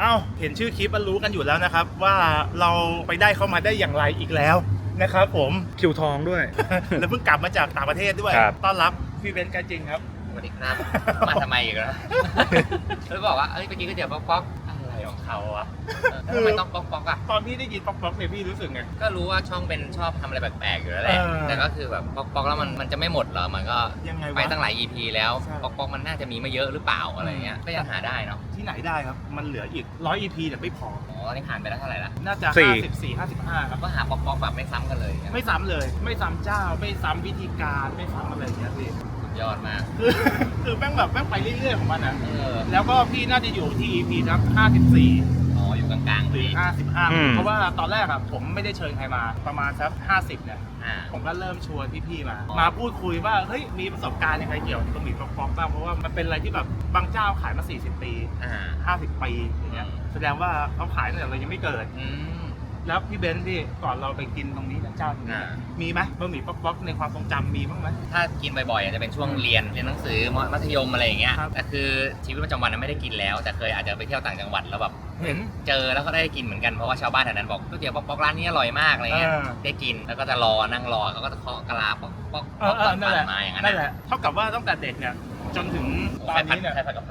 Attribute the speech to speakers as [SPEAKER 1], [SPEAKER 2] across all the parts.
[SPEAKER 1] อ้าเห็นชื่อคลิปรู้กันอยู่แล้วนะครับว่าเราไปได้เข้ามาได้อย่างไรอีกแล้วนะครับผม
[SPEAKER 2] คิวทองด้วย
[SPEAKER 1] แล้วเพิ่งกลับมาจากต่างประเทศด้วยต้อนรับพี่เบนซ์กันจริงครับ
[SPEAKER 3] สวัสดีครับมาทำไมอีกแล้วแล้วบอกว่าเอ้ยเมื่อกี้ก็เดี๋ยวป๊อกอะไรของเขาอะทำไมต้องป๊อกอะ
[SPEAKER 1] ตอนพี่ได้ยินป๊อกเนี่ยพี่รู้สึกไง
[SPEAKER 3] ก็รู้ว่าช่องเป็นชอบทำอะไรแปลกๆอยู่แล้วแหละแต่ก็คือแบบป๊อกแล้วมันจะไม่หมดเหรอมันก็ไปตั้งหลาย EP แล้วป๊อกมันน่าจะมีไม่เยอะหรือเปล่าอะไรเงี้ยก็ยังหาได้เนาะ
[SPEAKER 1] ที่ไหนได้ครับมันเหลืออีก100 EP แต่ไม่พอ
[SPEAKER 3] นี่ผ่านไปแล้วเท่าไหร่ละ
[SPEAKER 1] น่าจะ54 55ครับ
[SPEAKER 3] ก็หาป๊อกแบบไม่ซ้ำกันเลย
[SPEAKER 1] ไม่ซ้ำเลยไม่ซ้ำเจ้าไม่ซ้ำวิธีการไม่ซ้ำอะไรอย่างเงี้ยพี่
[SPEAKER 3] ยอดมาก
[SPEAKER 1] คือแม่งแบบแม่งไปเรื่อยๆของมันอ่ะแล้วก็พี่น่าจะอยู่ที่ EP ครับ54
[SPEAKER 3] อยู่กลางๆ
[SPEAKER 1] หรือ55เพราะว่าตอนแรกอ่ะผมไม่ได้เชิญใครมาประมาณสัก50เนี่ยผมก็เริ่มชวนพี่ๆมาพูดคุยว่าเฮ้ยมีประสบการณ์ยังไงเกี่ยวกับบะหมี่ป๊อกบ้างเพราะว่ามันเป็นอะไรที่แบบบางเจ้าขายมา40 ปี50 ปีอย่างเงี้ยแสดงว่าเขาขายตั้งแต่เรายังไม่เกิดแล้วพี่เบนซ์ที่ก่อนเราไปกินตรงนี้เจ้าตรงนี้มีไหมบะหมี่ป๊อกในความทรงจำมีบ้างไหม
[SPEAKER 3] ถ้ากินบ่อยๆจะเป็นช่วงเรียนหนังสือมัธยมอะไรอย่างเงี้ยแต่คือชีวิตประจำวันไม่ได้กินแล้วแต่เคยอาจจะไปเที่ยวต่างจังหวัดแล้วแบบ
[SPEAKER 1] เห็น
[SPEAKER 3] เจอแล้วก็ได้กินเหมือนกันเพราะว่าชาวบ้านแถวนั้นบอกก๋วยเตี๋ยวป๊อกร้านนี้อร่อยมากอะไรเงี้ยได้กินแล้วก็จะนั่งรอเขาก็จะเคาะกะลาป๊อกตอนผ่านมาอย่างนั้น
[SPEAKER 1] นั่นแหละเท่ากับว่าตั้งแต่เด็กเนี่ยจนถึงตอนนี้เนี่ย
[SPEAKER 3] ใครผัดกะเพรา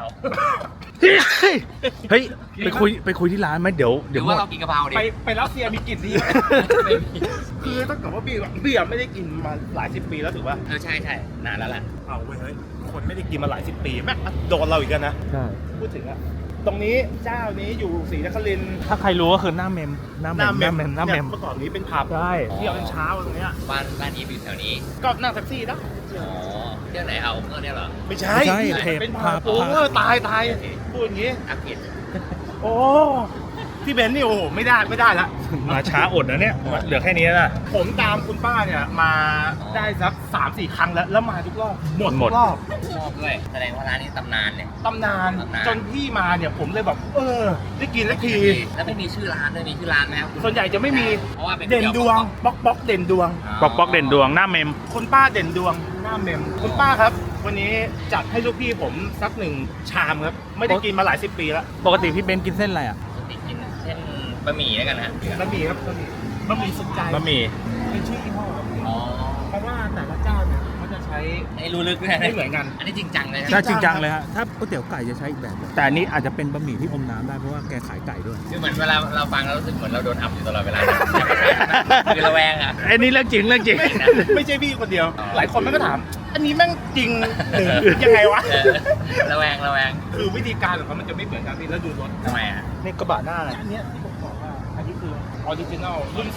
[SPEAKER 2] เฮ้ยไปคุยที่ร้านไหมเดี๋ยว
[SPEAKER 3] ว่าเรากินกะเพราดิ
[SPEAKER 1] ไปรัสเซียมีกลิ่นดีคือต้องกับว่าเบียร์ไม่ได้กินมาหลาย10 ปีแล้วถือว่า
[SPEAKER 3] ใช่นานแล้วแหละ
[SPEAKER 1] เอาเว้ยเฮ้ยคนไม่ได้กินมาหลาย10 ปีแม่งโดนเราอีกกันนะ
[SPEAKER 2] ใช่
[SPEAKER 1] พูดถึงอะตรงนี้เจ้านี้อยู่ศรีนครินทร์
[SPEAKER 2] ถ้าใครรู้ก็คือหน้าเมมเ
[SPEAKER 1] มื่อก่อนนี้เป็นผับ
[SPEAKER 2] ใช่
[SPEAKER 1] เที่ยวเช้าตรงเนี้ย
[SPEAKER 3] บ้านอีฟอยู่แถวนี้
[SPEAKER 1] ก็นั่งแท็กซี่นะ
[SPEAKER 3] เที่ยวไหนเอาเมื่อเนี่ยเหรอ
[SPEAKER 1] ไม่ใช่เป็นผับโอ้ตายพูดอย่างงี้
[SPEAKER 3] อักเกต
[SPEAKER 1] โอ้พี่เบนซ์นี่โอ้โหไม่ได้ละ
[SPEAKER 2] มาช้าอดนะเนี่ยเหลือแค่นี้นะ
[SPEAKER 1] ผมตามคุณป้าเนี่ยมาได้สัก 3-4 ครั้งแล้วมาทุกรอบหมดรอบ
[SPEAKER 3] ชอบด้วยแสดงว่าร้านนี้ตำนานเนี่ย
[SPEAKER 1] ตำนานจนพี่มาเนี่ยผมเลยแบบได้กินแล้วที
[SPEAKER 3] แล้วไม่มีชื่อร้านด้วยมีชื่อร้านไหมครับ
[SPEAKER 1] ส่วนใหญ่จะไม่มี
[SPEAKER 3] เพราะว่า
[SPEAKER 1] เด่นดวงป๊อกเด่นดวง
[SPEAKER 2] ป๊อกเด่นดวงหน้าเมม
[SPEAKER 1] คุณป้าเด่นดวงหน้าเมมคุณป้าครับวันนี้จัดให้ลูกพี่ผมสัก1 ชามครับไม่ได้กินมาหลาย10 ปีแล้ว
[SPEAKER 2] ปกติพี่เบนกินเส้นอะไรอ่ะ
[SPEAKER 3] ปกติกินเส้นบะหมี่แล้วกันนะ
[SPEAKER 1] บะหมี่ครับบะหมี่สุดใจ
[SPEAKER 2] บะหมี่
[SPEAKER 1] เป็นชื่อยี่ห้อเพราะว่าแต่ละเจ้าเนี่ยเขาจะใช้
[SPEAKER 3] รู้ลึก
[SPEAKER 1] ไม่เหมือนกัน
[SPEAKER 3] อันนี้จริงจังเลย
[SPEAKER 2] ใช่จริงจังเลยฮะถ้าก๋วยเตี๋ยวไก่จะใช้อีกแบบแต่อันนี้อาจจะเป็นบะหมี่ที่อมน้ำได้เพราะว่าแกขายไก่ด้วย
[SPEAKER 3] คือเหมือนเวลาเราฟังเรารู้สึกเหมือนเราโดนอับอยู่ตลอดเวลาคือระแวงอ่ะ
[SPEAKER 2] อันนี้เรื่องจริง
[SPEAKER 1] ไม่ใช่พี่คนเดียวหลายคนมันก็ถามอันนี้แม่งจริงหรือยังไงวะ
[SPEAKER 3] ระแวง
[SPEAKER 1] คือวิธีการของเขามันจะไม่เหมือนกันพี่แล้วดูรถ
[SPEAKER 3] ทำไมอ่ะ
[SPEAKER 1] นี่กระบะหน้าอันนี้ที่ผมบอกว่าอันนี้คือออริจินัลรุ่น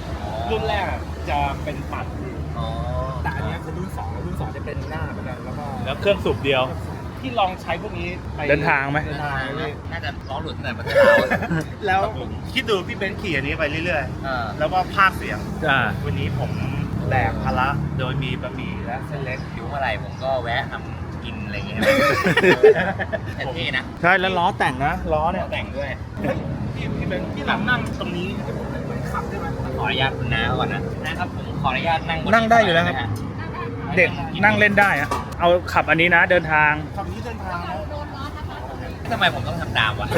[SPEAKER 1] 2รุ่นแรกจะเป็นปัดแต่อันนี้คือรุ่น2จะเป็นหน้าเหมือนกัน
[SPEAKER 2] แล้วเครื่องสูบเดียว
[SPEAKER 1] ที่ลองใช้พวกนี้ไป
[SPEAKER 2] เดินทางไหม
[SPEAKER 3] น่าจะล้อหลุดตั้งแต่ประเทศ
[SPEAKER 1] แล้วคิดดูพี่เบนซ์ขี่อันนี้ไปเรื่อยๆแล้วก็พากเสียงวันนี้ผมแบกภาระโดยมีบะหมี่และเส้นเล็ก
[SPEAKER 3] อยู่เมื่อไหร่ผมก็แวะทำกินอะไรอย่างเงี้ยเท่นะ
[SPEAKER 2] ใช่แล้วล้อแต่งนะล้อเนี่ย
[SPEAKER 3] แต่งด้วย
[SPEAKER 1] พี่เบนซ์ที่หลังนั่งตรงนี้ให้ผมได้ขับได้ไหม
[SPEAKER 3] ขออนุญาตคุณน้าก่อนนะครับผมขออนุญาต
[SPEAKER 2] นั่งได้อยู่แล้วครับเด็กนั่งเล่นได้อะเอาขับอันนี้นะเดินทาง
[SPEAKER 1] ขับนี้เดินทาง
[SPEAKER 3] ทำไมผมต้องทำตามวะ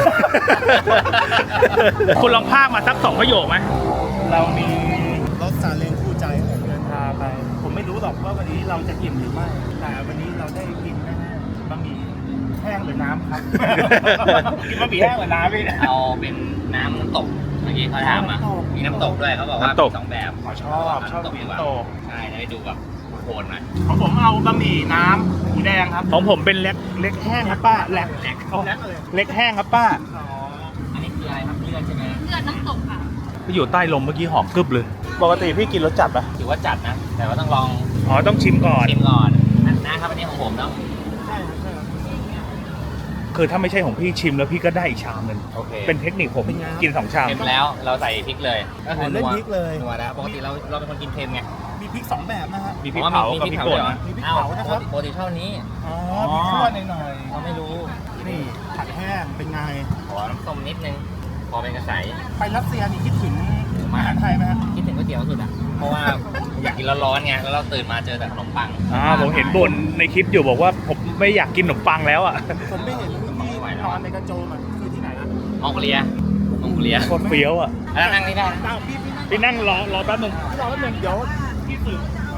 [SPEAKER 2] คุณลองพากมาสัก2 ประโยคไหม
[SPEAKER 1] เรามีรถซาเล้งคู่ใจผมเดินทางไปผมไม่รู้หรอกว่าวันนี้เราจะอิ่มหรือไม่แต่วันนี้เราได้กินแน่ๆบะหมี่แห้งหรือน้ำครับกินบะหมี่แห้งหรือน้ำพี่
[SPEAKER 3] เอาเป็นน้ำตกเมื่อกี้เขาถามอ่ะมีน้ำตกด้วยเขาบอกว่า2 แบบ
[SPEAKER 1] ชอบน้ำตก
[SPEAKER 3] ใช่ได้ดูแบบโคนหน่อย
[SPEAKER 1] ของผมเอาบะหมี่น้ำหมูแดงครับ
[SPEAKER 2] ของผมเป็นเล็กแห้งครับป้าเล็กแห้งครับป้า
[SPEAKER 3] อันนี้คืออะไรครับเลือดใช่ไหม
[SPEAKER 4] เลือดน้ำตกค่ะ
[SPEAKER 2] ไปอยู่ใต้ลมเมื่อกี้หอมกึบเลยปกติพี่กินรสจัดปะ
[SPEAKER 3] ถือว่าจัดนะแต่ว่าต้องลอง
[SPEAKER 2] ต้องชิมก่อน
[SPEAKER 3] นะครับอันนี้ของผมต้อง
[SPEAKER 1] ใช่
[SPEAKER 2] คือถ้าไม่ใช่ของพี่ชิมแล้วพี่ก็ได้อีกชามนึงเป็นเทคนิคผมกิน2 ชาม
[SPEAKER 3] เค็มแล้วเราใส่พริกเลย
[SPEAKER 1] ก็คือเล่นพริกเลย
[SPEAKER 3] นัวแล้วปกติเราเป็นคนกินเค็มไง
[SPEAKER 1] มีพริก2 แบบนะฮะ
[SPEAKER 2] มีพริกเผากับพริกป่น
[SPEAKER 1] มีพริกเผานะครับ
[SPEAKER 3] ปกติเท่านี้
[SPEAKER 1] พริกคั่วหน่อย
[SPEAKER 3] เราไม่รู้
[SPEAKER 1] นี่ผัดแห้งเป็นไง
[SPEAKER 3] ขอน้ำส้มนิดนึงพอเป็นกระใส
[SPEAKER 1] ไปรัสเซียนี่คิดถึงอาหารไทยไหมฮะ
[SPEAKER 3] คิดถึงก๋วยเตี๋ยวสุดอ่ะเพราะว่าอยากกินร้อนๆไงแล้วเราตื่นมาเจอแต่ขนมปัง
[SPEAKER 2] ผมเห็นบ่นในคลิปอยู่บอกว่าผมไม่อยากกินขนมปังแล้วอ่ะ
[SPEAKER 1] ผมไม่เห็นที่นอนในกระโจมอ่ะคือที่ไหนนะ
[SPEAKER 3] มองโกเลีย
[SPEAKER 2] โคตรเฟี้ยวอ่ะ
[SPEAKER 3] แล้วนั่งนี่ได้นะ
[SPEAKER 2] พี่นั่งรอแป๊บนึง
[SPEAKER 1] รอแป๊บนึงเดี๋ยวพี่สื่อ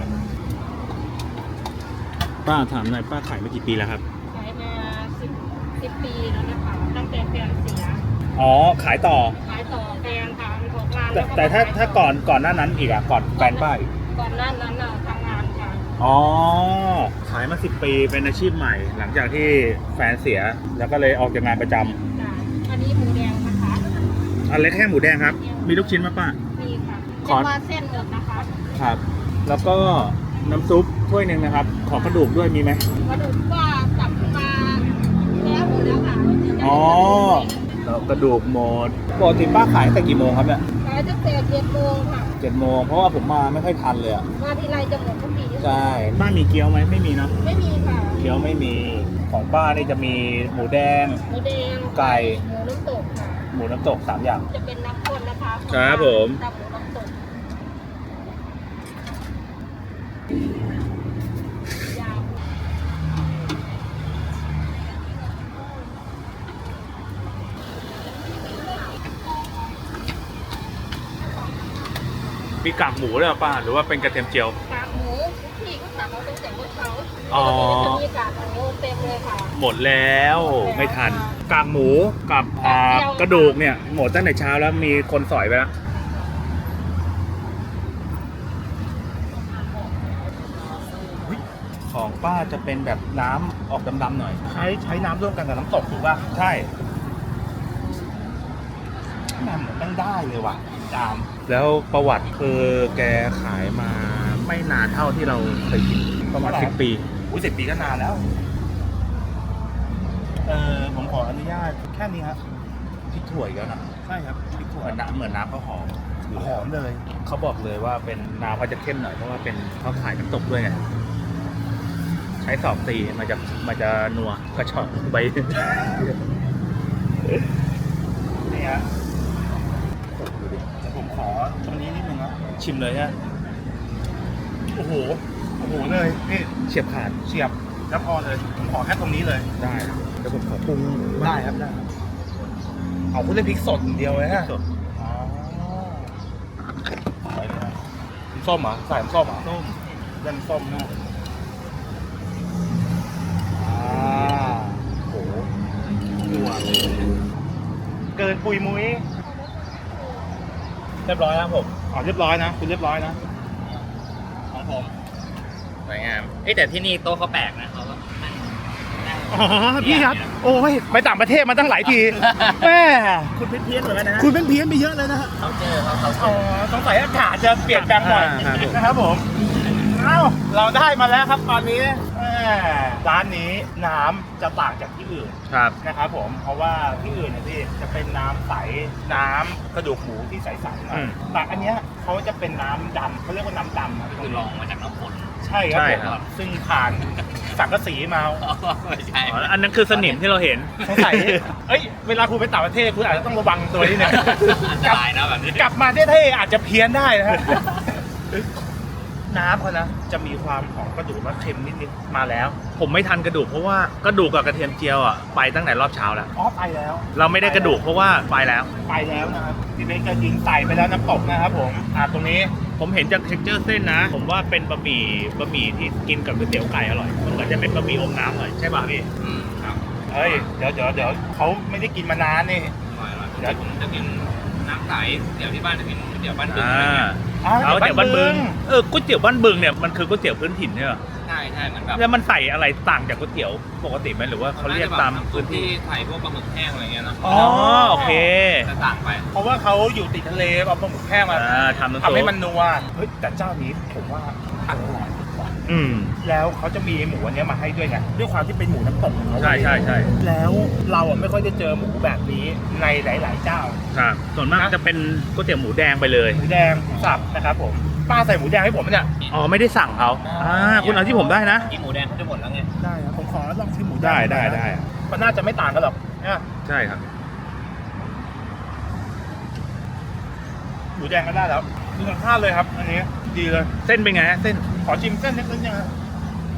[SPEAKER 2] ป้าถามหน่อยป้าขายมากี่ปีแล้วครับ
[SPEAKER 4] ขายมา10 ปีแล้วนะคะตั้งแต่แฟนเสีย
[SPEAKER 2] อ๋อขายต่อ
[SPEAKER 4] ขายต่อแฟนทำออกงาน
[SPEAKER 2] แต่ถ้าก่อนหน้านั้นอีกอ่ะก่อนแฟนป้าอีก
[SPEAKER 4] ก่อนหน้านั้นน่ะทำงานค่ะ
[SPEAKER 2] อ๋อขายมา10 ปีเป็นอาชีพใหม่ หลังจากที่แฟนเสียแล้วก็เลยออกจากงานประจำ
[SPEAKER 4] จ้ะอันนี้หมูแดงนะคะ
[SPEAKER 2] อันเล็กแค่หมูแดงครับ มีลูกชิ้นไหมป้า
[SPEAKER 4] มีค่ะ
[SPEAKER 2] ข
[SPEAKER 4] เป็
[SPEAKER 2] อ
[SPEAKER 4] นว่าเส้นหมดนะคะ
[SPEAKER 2] ครับ แล้วก็น้ำซุปถ้วยหนึ่งนะครับ ขอกระดูกด้วยมีไหม
[SPEAKER 4] กระดูกก็จับมาแล้วหมดแล้วค่ะ
[SPEAKER 2] อ๋อแล้วกระดูกหมดปกติป้าขายตั้งแต่กี่โมงครับเนี่ย
[SPEAKER 4] ขายตั้งแต่7 โมงค่ะ
[SPEAKER 2] 7 โมงเพราะว่าผมมาไม่ค่อยทันเลยอ่ะ
[SPEAKER 4] มาทีไรจะหมดทุกที
[SPEAKER 2] ใช่ป้ามีเกี๊ยวไหมไม่มีเนาะ
[SPEAKER 4] ไม่มีค่ะ
[SPEAKER 2] เกี๊ยวไม่มีของป้านี่จะมีหมูแดง
[SPEAKER 4] หมูแดง
[SPEAKER 2] ไก่
[SPEAKER 4] หมูน้ำตกค่ะ
[SPEAKER 2] หมูน้ำตก3 อย่าง
[SPEAKER 4] จะเป็นน้ำข้นนะคะ
[SPEAKER 2] ครับผม
[SPEAKER 4] ตับหมูน้ำตกยาว
[SPEAKER 2] มีกากหมูด้วยเหรอป้าหรือว่าเป็นกระเทียมเจียว
[SPEAKER 4] กากหมูพี่ก็สั่งเอาตั้งแต่เมื่อเช้า
[SPEAKER 2] อ๋อ
[SPEAKER 4] จะมีกากหมูเต็มเลยค่ะ
[SPEAKER 2] หมดแล้วไม่ทันกากหมูกับกระดูกเนี่ยหมดตั้งแต่เช้าแล้วมีคนสอยไปแล้วของป้าจะเป็นแบบน้ำออกดำๆหน่อย
[SPEAKER 1] ใช้น้ำร่วมกันกับน้ำตกถูกป่ะ
[SPEAKER 2] ใช่
[SPEAKER 1] น้ำเหมือนตั้งได้เลยว่ะจาม
[SPEAKER 2] แล้วประวัติคือแกขายมาไม่นานเท่าที่เราเคยกินประมาณ10 ปี
[SPEAKER 1] อุ้ย10 ปีก็นานแล้ว ผมขออนุญาตแค่นี้ครับ
[SPEAKER 2] พริกถั่วอีกแล้วนะ
[SPEAKER 1] ใช่ครับพริกถั่ว
[SPEAKER 2] เหมือนน้ำข้าวหอม
[SPEAKER 1] หอมเลย
[SPEAKER 2] เขาบอกเลยว่าเป็นน้ำเขาจะเข้มหน่อยเพราะว่าเป็นเขาขายน้ำตกด้วยไงใช้สอบตีมันจะนัวกระชอกใบ
[SPEAKER 1] นี่ฮะผมขอตรงนี้นิดนึงนะ
[SPEAKER 2] ชิมเลยฮะ
[SPEAKER 1] โอ้โหเลยนี่
[SPEAKER 2] เฉียบขาด
[SPEAKER 1] เฉียบแล้วพอเลยผมขอแค่ตรงนี้เลย
[SPEAKER 2] ได้เดี๋ยวผมขอปรุง
[SPEAKER 1] ได้ครับได้เอาคุณเล่นพริกสดอย่างเดียวเลยฮะ
[SPEAKER 2] สด
[SPEAKER 1] อ๋อใส่เลยฮะน้ำส้มเหรอใส่น้ำส้มเหรอ
[SPEAKER 2] ต้ม
[SPEAKER 1] เล่นส้มนะโอ้โหหัวเกินปุยมุ้ย
[SPEAKER 2] เรียบร้อยครับผม
[SPEAKER 1] อ๋อเรียบร้อยนะคุณเรียบร้อยนะของผม
[SPEAKER 3] สวยงามเอ้ยแต่ที่นี่โต๊ะเขาแปลกนะเขาก็นั่ง
[SPEAKER 1] อ๋อพี่ครับโอ้ยไปต่างประเทศมาตั้งหลายทีแม่คุณเพี้ยนเหมือนกันนะคุณเพี้ยนไปเยอะเลยนะฮะ
[SPEAKER 3] เขาเจอเขา
[SPEAKER 1] อ๋อสงสัยอากาศจะเปลี่ยนแปลงบ่อยนะครับผมเอ้าเราได้มาแล้วครับตอนนี้ร้านนี้น้ำจะต่างจากที่อื่น
[SPEAKER 2] ครับ
[SPEAKER 1] นะครับผมเพราะว่าที่อื่นเนี่ยพี่จะเป็นน้ำใสน้ำกระดูกหมูที่ใสๆหน่อยแต่อันเนี้ยเขาจะเป็นน้ำดำเขาเรียกว่าน้ำดำนะ
[SPEAKER 3] คือลองมาจากน้ำฝน
[SPEAKER 1] ใช่ครับผมซึ่งผ่านสังกะสีมา
[SPEAKER 3] ไม่ใช่
[SPEAKER 2] อ๋ออันนั้นคือสนิมที่เราเห็น
[SPEAKER 1] สงสัยเอ้ยเวลาคุณไปต่างประเทศคุณอาจจะต้องระวังตัวนี้นะ
[SPEAKER 3] อันตรายนะแบบนี้
[SPEAKER 1] กลับมาเท่ๆอาจจะเพี้ยนได้นะฮะน้ำเขานะจะมีความหอมกระดูกและเค็มนิดๆมาแล้ว
[SPEAKER 2] ผมไม่ทันกระดูกเพราะว่ากระดูกกับกระเทียมเจียวอ่ะไปตั้งแต่รอบเช้าแล้ว
[SPEAKER 1] อ๋อไปแล้ว
[SPEAKER 2] เราไม่ได้กระดูกเพราะว่าไปแล้ว
[SPEAKER 1] ไปแล้วนะครับพี่เบนก็ยิงใส่ไปแล้วน้ำตกนะครับผมตรงนี้
[SPEAKER 2] ผมเห็นจากเท็กเจอร์เส้นนะ ผมว่าเป็นบะหมี่ที่กินกับก๋วยเตี๋ยวไก่อร่อยมันเหมือนจะเป็นบะหมี่อมน้ำหน่อยใช่ป่ะพี่
[SPEAKER 3] ครับ
[SPEAKER 1] เฮ้ยเดี๋ยวเขาไม่ได้กินมานานนี่
[SPEAKER 3] เดี๋ยวผมจะกินน้ำใสเดี๋ยวที่บ้านจะกินเดี๋ยวบ้านบึง
[SPEAKER 2] เอาเตี๋ยวบ้านบึงก๋วยเตี๋ยวบ้านบึงเนี่ยมันคือก๋วยเตี๋ยวพื้นถิ่นเนี่ย
[SPEAKER 3] ใช่เหมือนแบบ
[SPEAKER 2] แล้วมันใส่อะไรต่างจากก๋วยเตี๋ยวปกติไหมหรือว่าเขาเรียกตามพื้นที่
[SPEAKER 3] ใส่พวกปลาหมึกแห้งอะไรเงี้ยนะ
[SPEAKER 2] อ๋อโอเค
[SPEAKER 3] จะต่างไป
[SPEAKER 1] เพราะว่าเขาอยู่ติดทะเลเอาปลาหมึกแห้งมา
[SPEAKER 2] ทำน้ำซุป
[SPEAKER 1] ทำให้มันนัวเฮ้ยแต่เจ้านี้ผมว่าอร่อยกว่า
[SPEAKER 2] อืม
[SPEAKER 1] แล้วเขาจะมีหมูอันเนี้ยมาให้ด้วยไงด้วยความที่เป็นหมูน้ำตกของเขา
[SPEAKER 2] ใช่ใช่
[SPEAKER 1] แล้วเราอ่ะไม่ค่อยได้เจอหมูแบบนี้ในหลาย ๆ เจ้า
[SPEAKER 2] ครับส่วนมากจะเป็นก๋วยเตี๋ยวหมูแดงไปเลย
[SPEAKER 1] หมูแดงหมูสับนะครับผมป้าใส่หมูแดงให้ผมเนี่ย
[SPEAKER 2] อ๋อไม่ได้สั่งเขาคุณเอาที่ผมได้นะ
[SPEAKER 3] กินหมูแดงเขาจะหมดแล้วไง
[SPEAKER 1] ได้ครับผมขอลองชิมหมูแดง
[SPEAKER 2] ได้
[SPEAKER 1] มันน่าจะไม่ต่างกันหรอกนะ
[SPEAKER 2] ใช่ครับ
[SPEAKER 1] หมูแดงก็ได้แล้วดูสัมภาษณ์เลยครับ อันนี้ดีเลย
[SPEAKER 2] เส้นเป็นไงฮะเส้น
[SPEAKER 1] ขอชิมเส้นนิดนึงนะ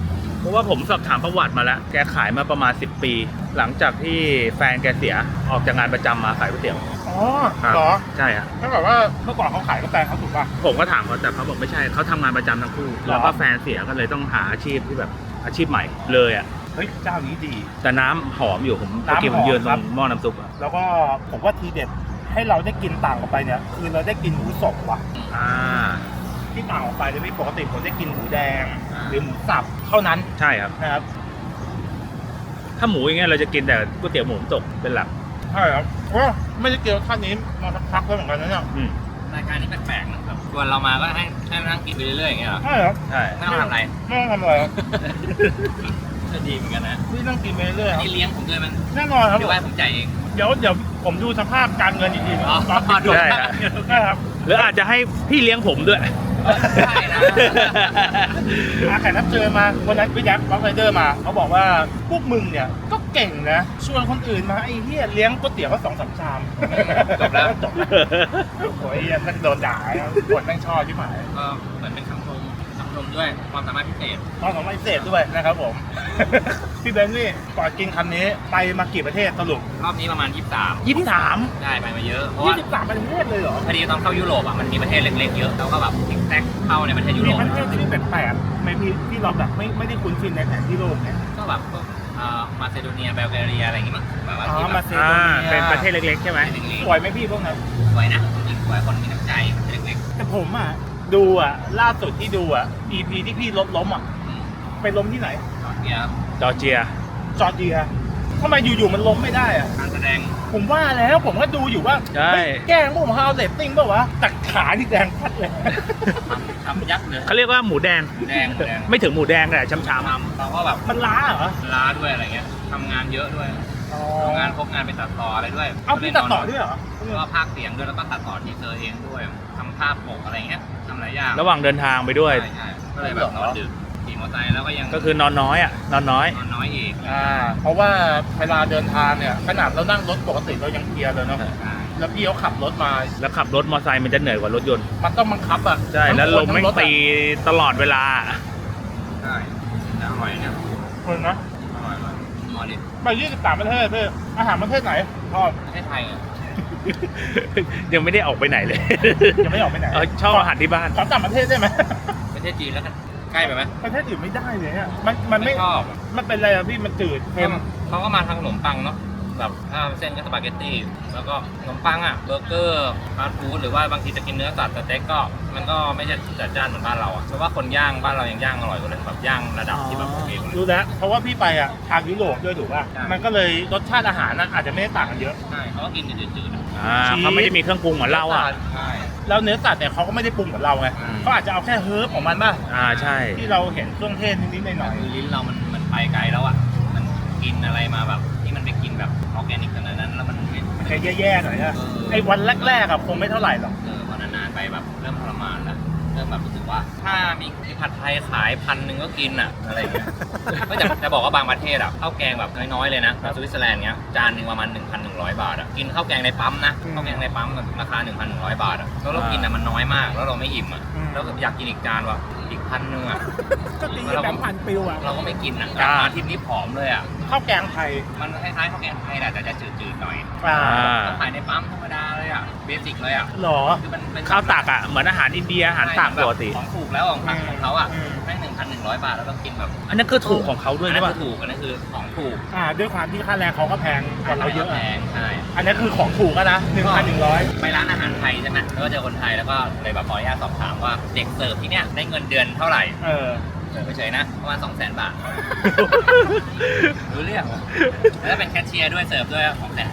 [SPEAKER 2] ราะว่าผมสอบถามประวัติมาแล้วแกขายมาประมาณ10 ปี หลังจากที่แฟนแกเสียออกจากงานประจำมาขายก๋วยเตี๋ยว
[SPEAKER 1] อ๋อ
[SPEAKER 2] ครับ
[SPEAKER 1] เหรอ
[SPEAKER 2] ใช่ฮะ
[SPEAKER 1] ถ้าแบบว่าเมื่อก่อนเขาขายกาแฟเขาถูกป่ะ
[SPEAKER 2] ผมก็ถามเขาแต่เขาบอกไม่ใช่เขาทำงานประจำทั้งคู่
[SPEAKER 1] เหรอ
[SPEAKER 2] แล้วก็แฟนเสียก็เลยต้องหาอาชีพที่แบบอาชีพใหม่เลยอ่ะ
[SPEAKER 1] เฮ้ยเจ้านี้ดี
[SPEAKER 2] แต่น้ำหอมอยู่ผม
[SPEAKER 1] น้ำหอม
[SPEAKER 2] เมื่อกี้ผมยืนต
[SPEAKER 1] ครั
[SPEAKER 2] ร
[SPEAKER 1] บ
[SPEAKER 2] งหม้อน้ำซุปอ่ะ
[SPEAKER 1] แล้วก็ผมว่าทีเด็ดให้เราได้กินต่างออกไปเนี่ยคือเราได้กินหมูสดว่ะ
[SPEAKER 2] อ่า
[SPEAKER 1] ที่ต่างออกไปเลยพี่ปกติผมได้กินหมูแดง หรือหมูสับเท่านั้น
[SPEAKER 2] ใช่ครับ
[SPEAKER 1] นะครับ
[SPEAKER 2] ถ้าหมูอย่างเงี้ยเราจะกินแต่ก๋วยเตี๋ยวหมูตกเป็นหลัก
[SPEAKER 1] ใช่ครับไม่ได้เกี่ยวท่านนี้มาสักพักแล้วเหมือนกันนะเนี่ย
[SPEAKER 2] อืม
[SPEAKER 3] รายการนี้แปลกๆนะครับชวนเรามาก็ให้มานั่งกินไปเรื่อยๆอย่างเงี้ยเหรอ
[SPEAKER 1] ใช่ครับ
[SPEAKER 2] ใช่
[SPEAKER 3] ไม่ต้องทำอะไร
[SPEAKER 1] ไม่ต้องทำอะไรครับ
[SPEAKER 3] ก็ดีเหมือนกันนะ
[SPEAKER 1] นี่นั่งกินไปเรื่อยๆครับ
[SPEAKER 3] นี่เลี้ยงผมด้วยมัน
[SPEAKER 1] แน่นอนครับ
[SPEAKER 3] หรือว่าผมจ่ายเอง
[SPEAKER 1] เดี๋ยวผมดูสภาพการเงินอีกทีนะ
[SPEAKER 3] อ๋อ
[SPEAKER 1] ตอนปิดจบ
[SPEAKER 2] ใช่ฮะ
[SPEAKER 1] ใช่ครับ
[SPEAKER 2] หรืออาจจะให้พี่เลี้ยงผมด้วย
[SPEAKER 3] ได้นะ
[SPEAKER 1] แขกรับเชิญมาวันนั้นพี่แจ็คบ็อกไรเดอร์มาเขาบอกว่าพวกมึงเนี่ยก็เก่งนะชวนคนอื่นมาไอ้เหี้ยเลี้ยงก๋วยเตี๋ยวก็2-3 ชาม
[SPEAKER 3] จบแล้ว
[SPEAKER 1] จบแล้วโอ้ยนั่นโดนด่าคนแม่งชอบที่หมาย
[SPEAKER 3] ก็เหมือนเป็นคำชมด้วยความสามารถพิเศษ
[SPEAKER 1] ตอนของพิเศษด้วยนะครับผม พี่เบนซ์นี่ก่อนกินคำนี้ไปมากี่ประเทศสรุป
[SPEAKER 3] รอบนี้ประมาณ 23
[SPEAKER 1] 23
[SPEAKER 3] ได้ไปมาเยอะ เพราะว่า
[SPEAKER 1] 23ประเทศเลยเหรอ
[SPEAKER 3] พอดีตอนเข้ายุโรปอ่ะมันมีประเทศเล็กๆเยอะแล้วก็แบบติ๊กแท็กเข้าในประเทศยุโร
[SPEAKER 1] มี
[SPEAKER 3] ป
[SPEAKER 1] ประเทศที่แปลกๆไหมพี่ที่เราแบบไม่ได้คุ้นชินในแผนที่โลกเนี่ย
[SPEAKER 3] ก็แบบพวกมาซิโดเนียเบลแกเรียอะไรอย่างงี้มั้งแบบว่า
[SPEAKER 1] อ๋อ
[SPEAKER 3] ที่แบ
[SPEAKER 1] มา
[SPEAKER 3] บ
[SPEAKER 1] เซ
[SPEAKER 2] อ่า
[SPEAKER 1] โดเนีย
[SPEAKER 2] เป็นประเทศเล็กๆใช่ไหม
[SPEAKER 3] เล็ก
[SPEAKER 1] สวยไหมพี่พวกนั้น
[SPEAKER 3] ๆสวยนะจริงสวยคนมีน้ำใจเล็ก
[SPEAKER 1] แต่ผมอ่ะดูอ่ะล่าสุดที่ดูอ่ะ EP ที่พี่ล้มอ่ะ
[SPEAKER 3] ๆอืม
[SPEAKER 1] ไปล้มที่ไหน
[SPEAKER 3] เนี่ย
[SPEAKER 2] จอร์เจีย
[SPEAKER 1] จอร์เจียทำไมอยู่ๆมันล้มไม่ได้อ่ะ
[SPEAKER 3] การแสดง
[SPEAKER 1] ผมว่าแล้วผมก็ดูอยู่ว่า
[SPEAKER 2] ใช่
[SPEAKER 1] เฮ้ยแกล้งผมฮาวเรตติ้งเปล่าวะแต่ขาที่แดงพัดเลย
[SPEAKER 3] ทำยักษ์เลย
[SPEAKER 2] เขาเรียกว่าหมูแดง
[SPEAKER 3] หมูแดง
[SPEAKER 2] ไม่ถึงหมูแดงแต่ช้ำ
[SPEAKER 3] ทำเราก็แบบ
[SPEAKER 1] มันล้าเหรอ
[SPEAKER 3] ล้าด้วยอะไรเงี้ยทำงานเยอะด้วยทำงานพบงานไปตัดต่ออะไรด้วย
[SPEAKER 1] เอาพี่ตัดต่อด้วยเหรอ
[SPEAKER 3] ก็พากย์เสียงด้วยแล้วก็ตัดต่อทีเซอร์เองด้วยทำภาพปกอะไรเงี้ยทำหลายอย่าง
[SPEAKER 2] ๆระหว่างเดินทางไปด้วย
[SPEAKER 3] ใช่ก็เลยแบบนอนดึกขี่มอเตอร์ไซค์แล้วก็ยัง
[SPEAKER 2] ก็คือนอนน้อยอ่ะ นอนน้อย
[SPEAKER 3] นอนน้อยอีก
[SPEAKER 1] เพราะว่าเวลาเดินทางเนี่ยขนาดเรานั่งรถปกติเรายังเพลียเลยเนาะ
[SPEAKER 3] ใช่
[SPEAKER 1] แล้วพี่เขาขับรถมา
[SPEAKER 2] แล้วขับรถมอเตอร์ไซค์มันจะเหนื่อยกว่ารถยนต์
[SPEAKER 1] มันต้องบังคับอ่ะ
[SPEAKER 2] ใช่ แล้วลมไม่ง
[SPEAKER 1] ทั้งรถอะ
[SPEAKER 2] ตีตลอดเวลา
[SPEAKER 3] ใช่แต่อร่อยเนี่ย
[SPEAKER 1] คนนะ
[SPEAKER 3] อร่อยมอลิ
[SPEAKER 1] ไป23ประเทศพี่อาหารประเทศไหนชอบ
[SPEAKER 3] ประเทศไทยอ่ะ
[SPEAKER 2] ยังไม่ได้ออกไปไหนเลย
[SPEAKER 1] ยังไม่ออกไปไหน
[SPEAKER 2] ชอบอาหารที่บ้าน
[SPEAKER 1] ขอต่างประเทศได้ไหม
[SPEAKER 3] ประเทศจีนแล้วกันใกล้ไปไหม
[SPEAKER 1] ประเทศอื่นไม่ได้เลยเนี่ยมันไม่
[SPEAKER 3] ชอบ
[SPEAKER 1] มันเป็นอะไรอะพี่มันจืดเค็ม
[SPEAKER 3] เขาก็มาทางขนมปังเนาะแบบถ้าเส้นก็สปาเกตตี้แล้วก็ขนมปังอ่ะเบอร์เกอร์ฟาสต์ฟู้ดหรือว่าบางทีจะกินเนื้อสัตว์สเต็กก็มันก็ไม่ใช่จัดจ้านเหมือนบ้านเราอ่ะเพราะว่าคนย่างบ้านเรายังย่างอร่อยกว่าเลยแบบย่างระดับที่แบบโอเคกว่าเลย
[SPEAKER 1] รู้แล้วเพราะว่าพี่ไปอ่ะทางยุโรปด้วยถูกป่ะ
[SPEAKER 3] ใช่
[SPEAKER 1] มันก็เลยรสชาติอาหารน่ะอาจจะไม่ได้ต่างกันเยอะ
[SPEAKER 3] ใช่เขาก็กินจืดๆอะ
[SPEAKER 2] เขาไม่ได้มีเครื่องปรุงเหมือนเราอ่ะ
[SPEAKER 3] ใช่
[SPEAKER 1] แล้วเนื้อสัตว์เนี่ยเขาก็ไม่ได้ปรุงเหมือนเราไง
[SPEAKER 3] อืม
[SPEAKER 1] เขาอาจจะเอาแค่เฮิร์บของมันป่ะ
[SPEAKER 2] ใช่
[SPEAKER 1] ที่เราเห็นเครื่องเทศนิดๆหน่อย
[SPEAKER 3] คือลิ้นเรามันไปไกลแล้วอ่ะมันกินอะไรมาแบบที่มันไปกินแบบออร์แกนิกขนาดนั้นแล้วมันไม่
[SPEAKER 1] ๆมันจะแย่ๆหน่อยนะไอ้วันแรกๆอะคงไม่เท่าไหร่หรอก
[SPEAKER 3] พอนานๆไปแบบเริ่มทรมานแล้วเริ่มแบบรู้สึกว่า ถ้ามีผัดไทยขาย1,000ก็กินอ่ะอะไรอย่างเงี้ย ก็จะบอกว่าบางประเทศอ่ะข้าวแกงแบบน้อยๆเลยนะสวิตเซอร์แลนด์เงี้ยจานหนึ่งประมาณ 1,100 บาทอ่ะกินข้าวแกงในปั๊มนะข้าวแกงในปั๊มราคา 1,100 บาทอ่ะแล้วเรากินอ่ะมันน้อยมากแล้วเราไม่อิ่มอ่ะแล้วอยากกินอีกจานว่ะอีก1,000อ่ะ
[SPEAKER 1] ก็ตีแบงค์พันปิวอะ
[SPEAKER 3] เราก็ไม่กินอ่ะกลับมาทริปนี้ผอมเลยอ่ะ
[SPEAKER 1] ข้าวแกงไทย
[SPEAKER 3] มันคล้ายๆข้าวแกงไทยแหละแต่จะจืดๆหน่อย
[SPEAKER 1] อ่า
[SPEAKER 3] ก็ขายในปั๊มธรรมดาเลยอ่ะเบสิกเลยอ่ะ
[SPEAKER 1] หรอ
[SPEAKER 3] คือมันเป็น
[SPEAKER 2] ข้าวตักอ่ะ เหมือนอาหารอินเดีย อาหารตักปกติ
[SPEAKER 3] ของถูกแล้วของของเขาอ่ะ
[SPEAKER 1] อืม
[SPEAKER 3] แม่ง1,100 บาทแล้วเรากินแบบ
[SPEAKER 2] อันนั้นคือถูกของเขาด้วย
[SPEAKER 3] อัน
[SPEAKER 2] ใช่
[SPEAKER 3] นั้น
[SPEAKER 2] ป่ะ
[SPEAKER 3] คือถูกอันนั้นคือของถูก
[SPEAKER 1] ด้วยความที่ค่าแรงเขาก็แพงกว่าเราเยอะ
[SPEAKER 3] แพ
[SPEAKER 1] อะ
[SPEAKER 3] งใช่
[SPEAKER 1] อันนั้นคือของถูกอะนะ 1,100
[SPEAKER 3] ไปร้านอาหารไทยใช่ไหมแล้วก็เจอคนไทยแล้วก็เลยแบบขออนุญาตสอบถามว่าเด็กเสิร์ฟที่เนี้ยได้เงินเดือนเท่าไหร่
[SPEAKER 1] เออ
[SPEAKER 3] เสิร์ฟเฉยๆนะประมาณ 200,000 บาทรู้เรื่องแล้วถ้าเป็นแคชเชียร์ด้วยเสิร์ฟด้วย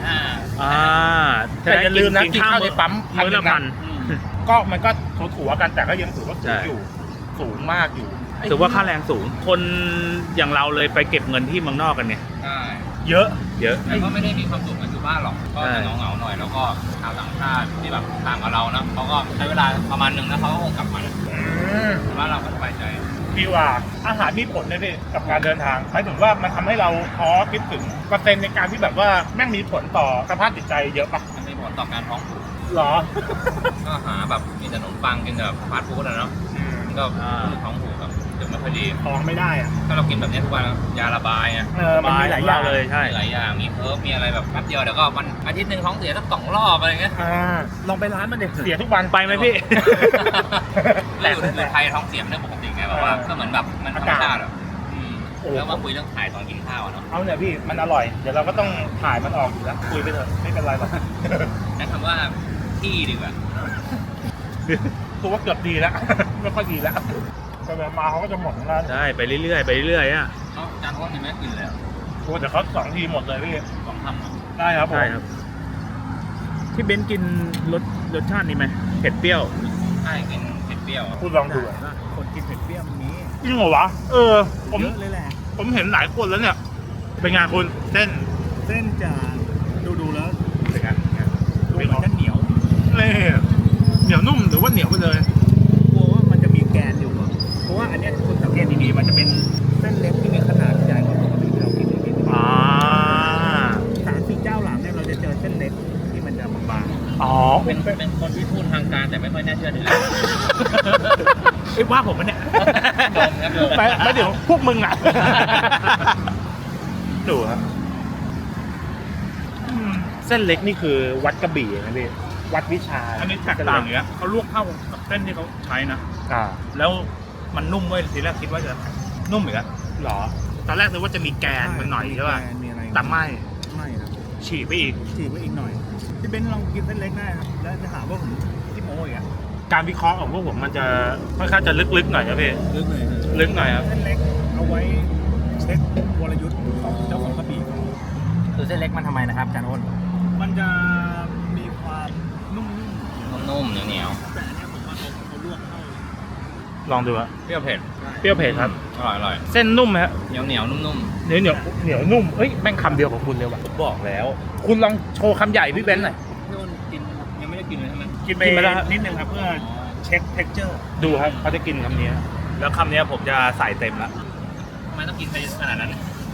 [SPEAKER 3] 250,000
[SPEAKER 1] แต่อย่าลืมนะกินข้าวในปั๊ม
[SPEAKER 2] มื้อละพัน
[SPEAKER 1] ก็มันก็ถูๆกันแต่ก็ยังถือว่าสู
[SPEAKER 2] ใช่
[SPEAKER 1] งอยู่ สูงมากอยู่
[SPEAKER 2] ถือว่าค่าแรงสูง คนอย่างเราเลยไปเก็บเงินที่เมืองนอกกันเนี่ย
[SPEAKER 3] ใช่
[SPEAKER 1] เยอะ
[SPEAKER 2] เยอะ
[SPEAKER 3] แต่ก็ไม่ได้มีความสุขเหมือนอยู่บ้านหรอกก็จะเหงาๆหน่อยแล้วก็ชาวต่างชาติที่แบบต่างกับเราเนาะเขาก็ใช้เวลาประมาณนึงแล้วเขาก็คงกลับมาบ้านเราก็สบายใจ
[SPEAKER 1] พี่ว่าอาหารมีผลนะพี่กับการเดินทางหมายถึงว่ามันทำให้เราท้อคิดถึงเปอร์เซ็นต์ในการที่แบบว่าแม่งมีผลต่อสภาพจิตใจเยอะปะ
[SPEAKER 3] มันมีผลต่อการท้องผูก
[SPEAKER 1] หรอ
[SPEAKER 3] ก็หาแบบกินแต่ขนมปังกินแต่ฟาสต์ฟู้ดอะเนาะมันก็ท้องผูกแบบสึกไม่ค่อยดี
[SPEAKER 1] ท้องไม่ได้อะ
[SPEAKER 3] ถ้าเรากินแบบนี้ทุกวันยาระบายไง
[SPEAKER 1] มันมีหลายอย่าง
[SPEAKER 2] เลยใช่
[SPEAKER 3] มีหลายอย่างมีเพิร์ฟมีอะไรแบบแป๊บเดียวเดี๋ยวก็วันอาทิตย์หนึ่งท้องเสียสัก2 รอบอะไรเงี้ย
[SPEAKER 1] ลองไปร้านมันเด็เสียทุกวัน
[SPEAKER 2] ไปไหมพี่
[SPEAKER 3] แล้วอยู่ไทยท้องเสียเป็นเรื่องปกติไงแบบว่าก็เหมือนแบบมันธรรมชาติอ่ะแล้วมาคุยเรื่องถ่ายตอนกินข้าวเนาะ
[SPEAKER 1] เอาเนี่ยพี่มันอร่อยเดี๋ยวเราก็ต้องถ่ายมันออกอยู่แล้วคุยไปเถอะไม่เป็นไรหรอก
[SPEAKER 3] ใช้คำว่าที่ดีกว่า
[SPEAKER 1] ตัวว่าเกือบดีแล้ว ไม่ค่อยดีแล้วแต่มาเขาก็จะหมดแล้ว
[SPEAKER 2] ใช่ไปเรื่อยๆไปเรื่อยๆอ่ะ
[SPEAKER 3] เขาจานทอดยังไม่ได้กินเลย
[SPEAKER 1] โอ้แต่เขา2 ทีหมดเลยพี่
[SPEAKER 3] 2 คำอ่ะ
[SPEAKER 1] ได้ครับผม
[SPEAKER 2] ใช่ครับที่เบนซ์กินรสชาตินี้ไหมเผ็ดเปรี้ยว
[SPEAKER 3] ใช่กินเผ็ดเปรี้ยว
[SPEAKER 1] คุณลองดู
[SPEAKER 2] คนกินเผ็ดเปรี้ยวมันมี
[SPEAKER 1] จริงเหรอวะผม
[SPEAKER 2] เยอะเลยแหละ
[SPEAKER 1] ผมเห็นหลายคนแล้วเนี่ยเป็นไงคุณเส้น
[SPEAKER 2] เส้นจะดูแล้ว
[SPEAKER 1] เป็นไง
[SPEAKER 2] ดูเหมือนจะเหนียว
[SPEAKER 1] เล่เหนียวนุ่มหรือว่าเหนียวไปเลย
[SPEAKER 2] กลัวว่ามันจะมีแกนอยู่อะเพราะว่าอันเนี้ยคุณสังเกตดีๆมันจะเป็นเส้นเล็กที่มีขนาดใหญ่กว่าปกติที่เรากินนิดนึง 3-4 เจ้าหลังเนี่ยเราจะเจอเส้นเล็กที่มันจะบาง
[SPEAKER 1] อ๋อ
[SPEAKER 3] เป็นคนที่พูดทางการแต่ไม่ค่อยน่าเชื่อถือ
[SPEAKER 2] ๆเอ้ยว่าผมมันเนี่ย
[SPEAKER 3] โดนครับโดน
[SPEAKER 1] ไม่เดี๋ยวพวกมึงอ่ะ ดูครับเส้นเล็กนี่คือวัดกระบี่นะพี่วัดวิชา
[SPEAKER 2] อันนี้แตกต่างอย่างเงี้ยเขาลวกเข้ากับเส้นที่เขาใช้นะ
[SPEAKER 1] อ่า
[SPEAKER 2] แล้วมันนุ่มเว้ยทีแรกคิดว่าจะนุ่มอีกแล้ว
[SPEAKER 1] หรอตอนแรกนึกว่าจะมีแกนมันหน่อยใช่ป่ะ
[SPEAKER 2] มีอะไร
[SPEAKER 1] แต่ไม่
[SPEAKER 2] ไม่ครับ
[SPEAKER 1] ฉีกไปอีก
[SPEAKER 2] ฉีกไว้อีกหน่อยพี่เบนซ์ลองกินเส้นเล็กได้ครับแล้วจะหาว่าผมที่โม้อีกอ่ะ
[SPEAKER 1] การวิเคราะห์ของพวกผมมันจะค่อนข้างจะลึกๆหน่อยนะพี่
[SPEAKER 2] ลึกเลย
[SPEAKER 1] ลึกหน่อยครับ
[SPEAKER 2] เส้นเล็กเอาไว้เช็ควรยุทธ์ของเจ้าของกระบี่เขา
[SPEAKER 3] คือเส้นเล็กมันทำไมนะครับจานอ้น
[SPEAKER 2] มันจะมีความนุ่ม
[SPEAKER 3] นุ่มๆเหนียว
[SPEAKER 2] ๆแต่อันเนี้ยผมว่าเขาลวกเข้า
[SPEAKER 1] ลองดูอะ
[SPEAKER 3] ๆเปรี้ยวเผ็ด
[SPEAKER 1] เปรี้ยวเผ็ดครับ
[SPEAKER 3] อร่อย
[SPEAKER 1] เส้นนุ่มไหมฮะ
[SPEAKER 3] เหนียวนุ่ม
[SPEAKER 1] เหนียวนุ่มเอ้ยแม่งคำเดียวของคุณเลยว่ะ
[SPEAKER 2] บอกแล้ว
[SPEAKER 1] คุณลองโชว์คำใหญ่พี่เบนซ์หน่อย
[SPEAKER 3] ๆพี่อ้นกินยังไม่ได้กินเลยใช่ไหม
[SPEAKER 2] กินไป
[SPEAKER 1] กินไปแล้ว
[SPEAKER 2] นิดนึงครับเพื่อเช็คเท็กเจอร์
[SPEAKER 1] ดูครับเขาจะกินคำนี้
[SPEAKER 2] แล้วคำเนี้ยผมจะใส่เต็มละ
[SPEAKER 3] ทำไมต้องกินไปขนาดนั้น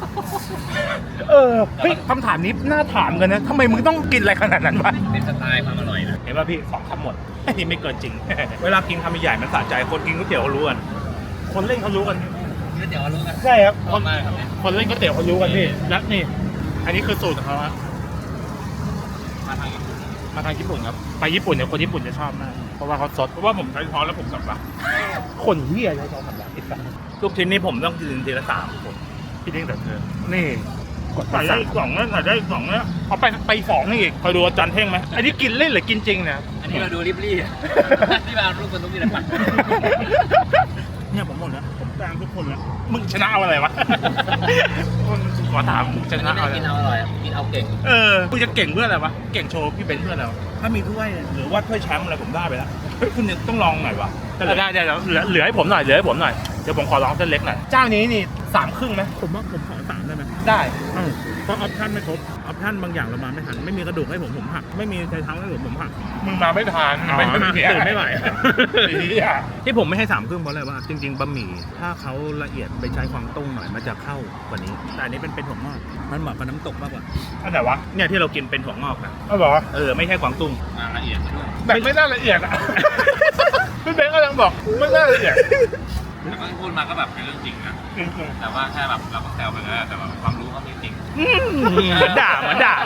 [SPEAKER 1] เฮ้ยคำถามนี้น่าถามกันนะทำไมมึงต้องกินอะไรขนาดนั้นวะ
[SPEAKER 3] เป็นสไตล์ความอร่อยนะ
[SPEAKER 1] เห็นป่ะพี่2 คำหมดนี่ไม่เกินจริง
[SPEAKER 2] เวลากินคำใหญ่ๆมันสะใจคนกินก๋วยเตี๋ยวเขารู้กัน
[SPEAKER 1] คนเล่นเขารู้กัน
[SPEAKER 3] นี่เดี๋ยวรู้กัน
[SPEAKER 1] ใช่ครับ
[SPEAKER 3] ชอบมากครับเนี่ย
[SPEAKER 1] คนเล่นก๋วยเตี๋ยวเขารู้กันพี่และนี่ อันนี้คือสูตรของเขาฮะ
[SPEAKER 3] มาทางญี่ปุ่น
[SPEAKER 1] มาทางญี่ปุ่นครับไปญี่ปุ่นเนี่ยคนญี่ปุ่นจะชอบมากเพราะว่าเขาสด
[SPEAKER 2] เพราะว่าผมใช้ช้อนแล้วผมสับละ
[SPEAKER 1] คนเฮียใช้ช้อนสำลักติดกัน
[SPEAKER 2] ลูกชิ้นนี่ผมต้องกินทีละ3 คน
[SPEAKER 1] พี่เด้งแต่เธอนี่กด
[SPEAKER 2] ใส่ได้อีก 2นะใส่ได้อีก2นะ
[SPEAKER 1] เอาไป2นี่อีกคอยดูอาจารย์เท่งไหมอันนี้กินเล่นหรือกินจริงเนี่ย
[SPEAKER 3] อันนี้มาดูริบลี่ ที่มารูปคนทุกทีละปัด
[SPEAKER 2] เนี่ยผมหมดแล้วผมแซงทุกคนแล้ว
[SPEAKER 1] มึงชนะเอาอะไรวะ ขอถามมึงช
[SPEAKER 3] อัน
[SPEAKER 1] นะ
[SPEAKER 3] นี้
[SPEAKER 1] เอา
[SPEAKER 3] ไม่
[SPEAKER 1] อะไร
[SPEAKER 3] ได้กินเอาอร่อยกินเอาเก่ง
[SPEAKER 1] มึงจะเก่งเพื่ออะไรวะเก่งโชว์พี่เบนซ์เพื่ออะไรวะ
[SPEAKER 2] ถ้ามีถ้วยหรือว่าถ้วยแชมป์อะไรผมได้ไปแล้วเฮ้ยคุณเนี่ยต้องลองหน่อยวะ
[SPEAKER 1] ได้เหลือให้ผมหน่อยเดี๋ยวผมขอลองเส้นเล็กหน่อยเจ้านี้นี่3 ครึ่งไหม
[SPEAKER 2] ผมว่าผมขอ3ได้ไหม
[SPEAKER 1] ได้
[SPEAKER 2] เพราะออปชั่นไม่ครบออปชั่นบางอย่างเรามาไม่ทันไม่มีกระดูกให้ผมหักไม่มีไชเท้าให้ผมหัก
[SPEAKER 1] มึงมาไม่ทัน
[SPEAKER 2] ตื่นไม่ไหว
[SPEAKER 1] เหี้ย
[SPEAKER 2] ที่ผมไม่ให้3 ครึ่งเพราะอะไรว่าจริงๆบะหมี่ถ้าเขาละเอียดไปใช้ความต้งหน่อยมันจะเข้ากว่านี้ แต่อันนี้เป็นถั่วงอกมันเหมาะกับน้ำตกมากกว่า
[SPEAKER 1] อันไหนวะ
[SPEAKER 2] เนี่ยที่เรากินเป็นถั่วงอกนะ
[SPEAKER 1] เอาเหรอ
[SPEAKER 2] ไม่ใช่กวางตุ้ง
[SPEAKER 3] มาละเอียดซะด้วย
[SPEAKER 1] แต่ไม่น่าละเอียดอ่ะ พี่เบนซ์กำลังบอกไม่น่าละเอียด
[SPEAKER 3] แต่ก็พูดมาก็แบบเป็นเรื่องจริงนะ
[SPEAKER 1] จริง
[SPEAKER 3] แต่ว่าแค่แบบเราก็แซวไปแล้วแต่แบบความรู้เขาไม่จริง
[SPEAKER 2] เหมือนด่า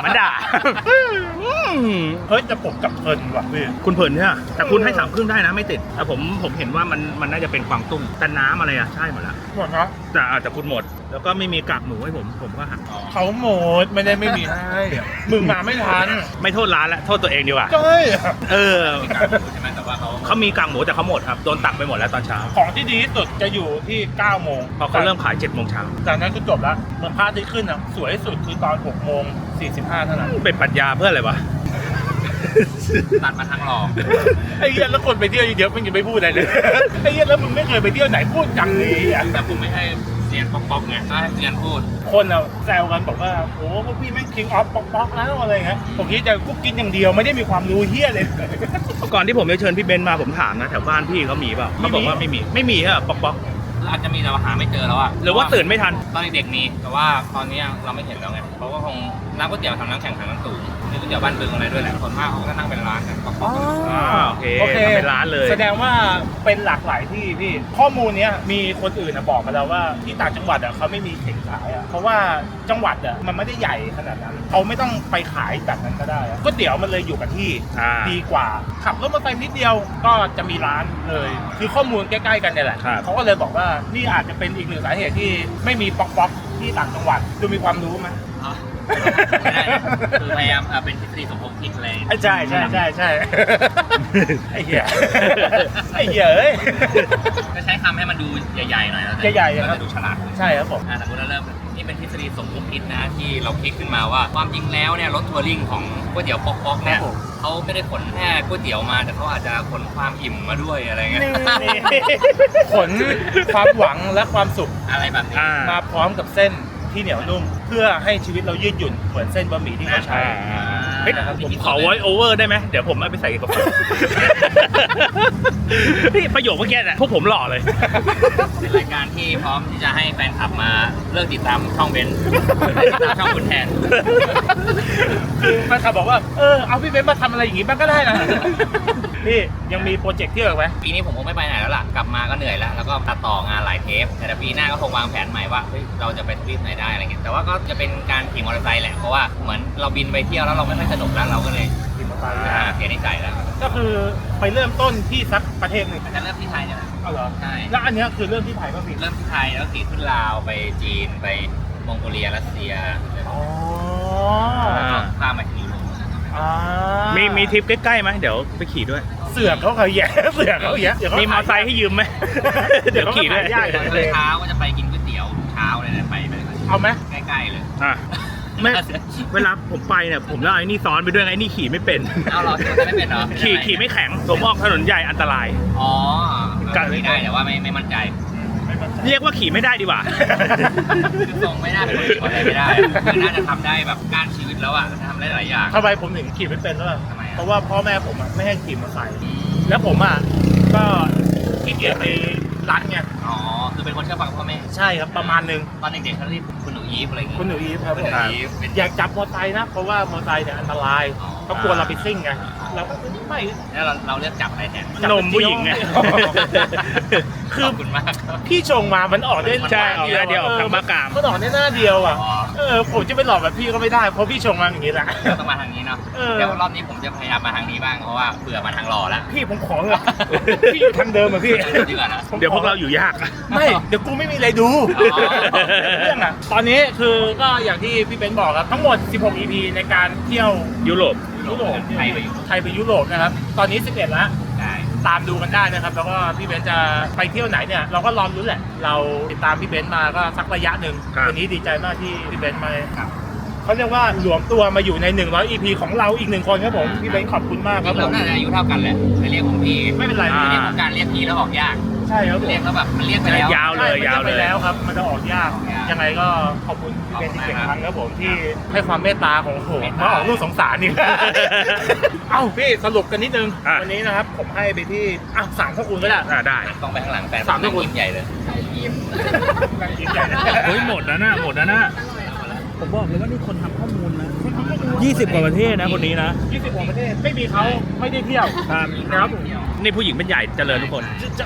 [SPEAKER 1] เฮ้ยแต่ผมกับเพลินว่ะพี่
[SPEAKER 2] คุณเผินเนี่ยแต่คุณให้3 ครึ่งได้นะไม่ติดแต่ผมเห็นว่ามันน่าจะเป็นกวางตุ้งแต่น้ำอะไรอะใช่หมดแล้ว
[SPEAKER 1] หมดนะ
[SPEAKER 2] แต่คุณหมด แล้วก็ไม่มีกากหมูให้ผมก็หัก
[SPEAKER 1] เขาหมดไม่ได้ไม่มีให้มึงมาไม่ทัน
[SPEAKER 2] ไม่โทษร้านละโทษตัวเองดีกว่า
[SPEAKER 1] ใช่
[SPEAKER 3] มีการรู้ใช่ไหมแต่ว่าเขา
[SPEAKER 2] เขามีกากหมูแต่เขาหมดครับโดนตักไปหมดแล้วตอนเช้า
[SPEAKER 1] ของที่ดีที่สุดจะอยู่ที่9 โมง
[SPEAKER 2] พอเขาเริ่มขาย7 โมงเช้า
[SPEAKER 1] จากนั้นก็จบแล้วเหมือนภาพที่ขึ้นอ่ะสวยที่สุดคือตอน6 โมง 45เท่านั้น
[SPEAKER 2] เป็นปรัชญาเพื่ออะไรวะ
[SPEAKER 3] ตัดมาทางหลอก
[SPEAKER 1] ไอ้เหี้ยแล้วคนไปเที่ยวเยอะๆมันยังไม่พูดอะไรเลย ไอ้เหี้ยแล้วมึงไม่เคยไปเที่ยวไหนพูดจังนี้อ่ะ
[SPEAKER 3] แต่ผมไม่ให้เสียงป๊อกๆไงถ้าให้เสียงพูด
[SPEAKER 1] คนอ่ะแซวกันบอกว่าโอ้พวกพี่แม่ง king of ป๊อกๆแล้วอะไรเงี้ยผมคิดจะกุ๊กกินอย่างเดียวไม่ได้มีความรู้เหี้ยเลย
[SPEAKER 2] ก่อนที่ผมจะเชิญพี่เบนซ์มาผมถามนะแถวบ้านพี่เขามีเปล่าเขาบอกว่าไม่มีฮะป๊อก
[SPEAKER 3] อาจจะมีแต่ว่าหาไม่เจอแล้วอะ
[SPEAKER 2] หรือว่าตื่นไม่ทัน
[SPEAKER 3] ตอนเด็กๆมีแต่ว่าตอนนี้เราไม่เห็นแล้วไงเพราะว่าคงน้ำก๋วยเตี๋ยวทำน้ำแข็งทางน้ำสูงมีก๋วยเตี๋ยวบ้านบึงอะไรด้วยแหละคนมากเขาก็นั่งเป็นร้านกันป๊อก
[SPEAKER 2] โอเคทำเป็นร้านเลย
[SPEAKER 1] แสดงว่าเป็นหลากหลายที่พี่ข้อมูลเนี้ยมีคนอื่นบอกมาแล้วว่าที่ต่างจังหวัดเขาไม่มีเข่งขายเพราะว่าจังหวัดมันไม่ได้ใหญ่ขนาดนั้นเขาไม่ต้องไปขายแบบนั้นก็ได้ก๋วยเตี๋ยวมันเลยอยู่กับที่ดีกว่าขับรถมาไปนิดเดียวก็จะมีร้านเลยคือข้อมูลใกล้ๆกันเนี่ยแหละเขาก็เลยบอกว่านี่อาจจะเป็นอีกหนึ่งสาเหตุที่ไม่มีป๊อกๆที่ต่างจังหวัดดูมีความรู้ไหม
[SPEAKER 3] ไม่ได้นะคือพยายามเป็นทฤษฎีสมคบคิดอะไร
[SPEAKER 1] ใช่ไอ้เหี้ยไอ้เหี้ยเอ้ย
[SPEAKER 3] ก็ใช้คำให้มันดูใหญ่ๆหน่อยแล้ว
[SPEAKER 1] ใหญ่ๆครับ
[SPEAKER 3] จะดูฉลาด
[SPEAKER 1] ใช่ครับผม
[SPEAKER 3] สมมติเราเริ่มนี่เป็นทฤษฎีสมคบคิดนะที่เราคิดขึ้นมาว่าความจริงแล้วเนี่ยรถทัวริงของก๋วยเตี๋ยวป๊อกๆเนี่ยเขาไม่ได้ขนแค่ก๋วยเตี๋ยวมาแต่เขาอาจจะขนความอิ่มมาด้วยอะไรเงี้ย
[SPEAKER 1] ขนความหวังและความสุข
[SPEAKER 3] อะไรแบบนี้
[SPEAKER 1] มาพร้อมกับเส้นที่เหนียวนุ่มเพื่อให้ชีวิตเรายืดหยุ่นเหมือนเส้นบะหมี่ที่เขาใช้
[SPEAKER 2] เฮ้ยผมขอ voice over ได้ไหมเดี๋ยวผมเอาไปใส่กับผมพี่ประโยคเมื่อกี้เนี่ยพวกผมหล่อเลย
[SPEAKER 3] เป็นรายการที่พร้อมที่จะให้แฟนคลับมาเลิกติดตามช่องเบนซ์ติดตามช่องคุณแทน
[SPEAKER 1] คือแฟนคลับบอกว่าเอาพี่เบนซ์มาทำอะไรอย่างงี้บ้างก็ได้นะพี่ยังมีโปรเจกต์ที่อื่นไหม
[SPEAKER 3] ปีนี้ผมคงไม่ไปไหนแล้วล่ะกลับมาก็เหนื่อยแล้วแล้วก็ตัดต่องานหลายเทปแต่ปีหน้าก็คงวางแผนใหม่ว่าเฮ้ยเราจะไปทวีปไหนได้อะไรเงี้ยแต่ว่าก็จะเป็นการขี่มอเตอร์ไซค์แหละเพราะว่าเหมือนเราบินไปเที่ยวแล้วเราไม่ค่อยสนุกแล้วเราก็เลย
[SPEAKER 1] ขี่มอเตอร์ไซค์
[SPEAKER 3] เสียนิสัยแล้ว
[SPEAKER 1] ก็คือไปเริ่มต้นที่สักประเทศหนึ่ง
[SPEAKER 3] อาจจะเริ่มที่ไทยเนี่ยแหละ
[SPEAKER 1] เอาเหรอ
[SPEAKER 3] ใช่
[SPEAKER 1] แล้วอันเนี้ยคือเริ่มที่ไทยก็ผิด
[SPEAKER 3] เริ่มที่ไทยแล้วขี่ขึ้นลาวไปจีนไปมองโกเลียรัสเซีย
[SPEAKER 1] อ๋อ
[SPEAKER 3] แล้วก็ข้ามมาถึงยุโรป
[SPEAKER 2] มีทริปใกล้ๆไหมเดี๋ยวไปขี่ด้วย
[SPEAKER 1] เสือกเขาแย่เสือกเขาแย่
[SPEAKER 2] มีมอเตอร์ไซค์ให้ยืมไหม เดี๋ยวขี่ด้วย
[SPEAKER 1] ยาก
[SPEAKER 3] ตอนเช้าก็จะไปกินก๋วยเตี๋ยวเช้าเลยนะไป
[SPEAKER 1] เอาไหม
[SPEAKER 3] ใกล้ๆเลย
[SPEAKER 2] อ่ะไม่เวลาผมไปเนี่ยผมแล้วไอ้นี่ซ้อนไปด้วยไงไอ้นี่ขี่ไม่เป็น
[SPEAKER 3] เอาเหรอไม่เป็นเหรอ
[SPEAKER 2] ขี่ไม่แข็งผมออกถนนใหญ่อันตราย
[SPEAKER 3] อ๋อก็ขี่ได้แต่ว่าไม่มั่นใจ
[SPEAKER 2] เรียกว่าขี่ไม่ได้ดีกว่า
[SPEAKER 3] คือทรงไม่น่าเป็นคนขี่มอเตอร์ไซค์ไม่ได้คือน่าจะทำได้แบบการชีวิตแล้วอ่ะทำได้หลายอย่าง
[SPEAKER 1] ทำไมผมถึงขี่ไม่เป็นแล้วล่ะ
[SPEAKER 3] ทำไมอ่ะ
[SPEAKER 1] เพราะว่าพ่อแม่ผมไม่ให้ขี่มอเตอร์ไซค์แล้วผมก็ขี้เกียจไปรัดไง
[SPEAKER 3] อ๋อคือเป็นคนเชื่อฟังพ่อแม่
[SPEAKER 1] ใช่ครับประมาณนึง
[SPEAKER 3] ตอนเด็กๆเขาเรียกคุณหนูอีฟอะไรอย่างงี้
[SPEAKER 1] คุณหนูอีฟครับ
[SPEAKER 3] คุณหนูอีฟเป็น
[SPEAKER 1] อยากจับมอเตอร์ไซค์นะเพราะว่ามอเตอร์ไซค์เนี่ยอันตราย
[SPEAKER 3] อ๋อ
[SPEAKER 1] เขากลัวเราไปซิ่งไงเราก็ไม่
[SPEAKER 3] แล้วเราเลือกจับอะไรแทน
[SPEAKER 2] นมผู้หญิงไง
[SPEAKER 1] คือ
[SPEAKER 3] ขอบคุณมากครับ
[SPEAKER 1] พี่ชงมามันออกได้
[SPEAKER 2] ใช่ออกหน้าเดียวออกทางมะกาม
[SPEAKER 1] มันออกได้หน้าเดียวอ่ะ
[SPEAKER 3] อ๋อ
[SPEAKER 1] ผมจะไปหลอกแบบพี่ก็ไม่ได้เพราะพี่ชงมาอย่างนี้แหละ
[SPEAKER 3] เราต้องมาทางนี้เนาะ
[SPEAKER 1] เออ
[SPEAKER 3] เดี๋ยวรอบนี้ผมจะพยายามมาทางนี้บ้างเพราะว่าเบื่อมาทางหล่อแล้ว
[SPEAKER 1] พี่ผมขอเลยพี่อยู่ทางเดิมอ่ะพี่
[SPEAKER 3] ดีกว่านะ
[SPEAKER 1] ผมขอ
[SPEAKER 2] เดี๋ยวพวกเราอยู่ยาก
[SPEAKER 1] ไม่เดี๋ยวกูไม่มีอะไรดู
[SPEAKER 3] อ๋อ
[SPEAKER 1] เรื่องอ่ะตอนนี้คือก็อย่างที่พี่เบนซ์บอกครับทั้งหมด 16 EP ในการเที่ยว
[SPEAKER 2] ยุโรป
[SPEAKER 1] ยุโรป
[SPEAKER 3] ไทยไปอยู่
[SPEAKER 1] ไทยไปยุโรปนะครับตอนนี้ 11 แล้ว
[SPEAKER 3] ได้
[SPEAKER 1] ตามดูกันได้นะครับ แล้วก็พี่เบนซ์จะไปเที่ยวไหนเนี่ยเราก็รอรุ้นแหละ เราติดตามพี่เบนซ์มาก็สักระยะหนึ่ง
[SPEAKER 2] ครับ
[SPEAKER 1] วันนี้ดีใจมากที่พี่เบนซ์มาเขาเรียกว่าหลวมตัวมาอยู่ใน100 EP ของเราอีกหนึ่งคนครับผมพี่เบนซ์ขอบคุณมากครับผ
[SPEAKER 3] เรา
[SPEAKER 1] ม
[SPEAKER 3] น่าจะอายุเท่ากันแหละจะเรียกผมพี่
[SPEAKER 1] ไม่เป็นไร
[SPEAKER 2] อ่า
[SPEAKER 3] เรียกของการเรียกพี่แล้วออกยาก
[SPEAKER 1] ใช่ครับผม
[SPEAKER 3] เรียกแล้วแบบมันเรียกไปแล้ว
[SPEAKER 2] ยาวเลย
[SPEAKER 1] ใช่
[SPEAKER 2] ยาวเลย
[SPEAKER 1] ไปแล้วครับมันจะออกยาก
[SPEAKER 3] ออกยาก
[SPEAKER 1] ยังไงก็ขอบคุณพี่เบนซ์อีก
[SPEAKER 3] ขอบคุณมาก
[SPEAKER 1] ครั้งครับผมที่ให้ความเมตตาของโห
[SPEAKER 3] เมตตา
[SPEAKER 1] มาออกลูกสงสารนี่ เอ้าพี่สรุปกันนิดนึง
[SPEAKER 2] อ่ะ
[SPEAKER 1] วันนี้นะครับผมให้ไปที่สามข้อคุณก็ได้
[SPEAKER 2] ได้
[SPEAKER 3] ต้องไปข้างหลังแฟน
[SPEAKER 1] สาม
[SPEAKER 3] นั่ง
[SPEAKER 1] คน
[SPEAKER 3] ยิ้มใหญ่เลย
[SPEAKER 1] นั่งกินใหญ่นะ
[SPEAKER 2] เฮ้ยหมดแล้วนะหมดแล้วนะ ผมบอกเลยว่านี่คนทำข้อมูลนะ20 กว่าประเทศนะคนนี้นะ
[SPEAKER 1] 20 กว่าประเทศไม่มีเขาไม่ได้เที่ยว
[SPEAKER 2] ครับ
[SPEAKER 1] นะครับ
[SPEAKER 2] นี่ผู้หญิงเป็นใหญ่เจริญทุกคน
[SPEAKER 1] จะ